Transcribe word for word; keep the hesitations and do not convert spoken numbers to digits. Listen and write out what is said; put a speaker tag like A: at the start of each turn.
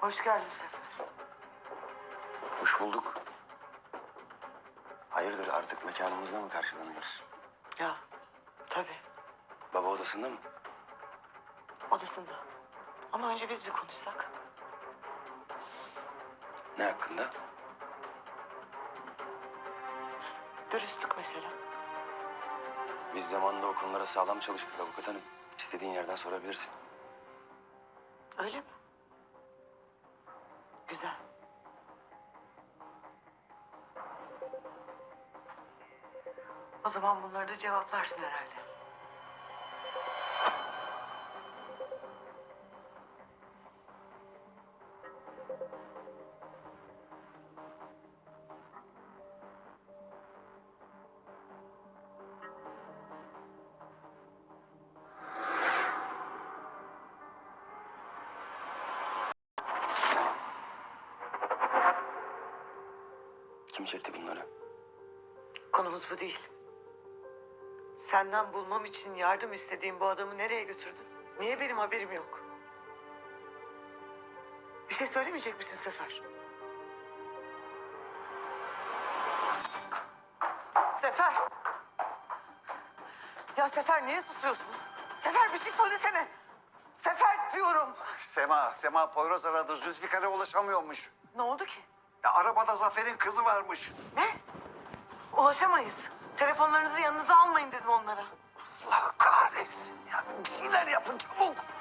A: Hoş geldin Sefer.
B: Hoş bulduk. Hayırdır, artık mekanımızda mı karşılanıyoruz?
A: Ya tabii
B: Baba odasında mı?
A: odasında. Ama önce biz bir konuşsak.
B: Ne hakkında?
A: Dürüstlük mesela.
B: Biz zamanında o konulara sağlam çalıştık avukat hanım. İstediğin yerden sorabilirsin.
A: Öyle mi? Güzel. O zaman bunları da cevaplarsın herhalde.
B: Kim çekti bunları?
A: Konumuz bu değil. Senden bulmam için yardım istediğim bu adamı nereye götürdün? Niye benim haberim yok? Bir şey söylemeyecek misin Sefer? Sefer! Ya Sefer niye susuyorsun? Sefer bir şey söylesene. Sefer diyorum.
C: Sema, Sema Poyraz aradı. Zülfikar'a ulaşamıyormuş.
A: Ne oldu ki?
C: Ya arabada Zafer'in kızı varmış.
A: Ne? Ulaşamayız. Telefonlarınızı yanınıza almayın dedim onlara.
C: Allah kahretsin ya. Bir şeyler yapın çabuk.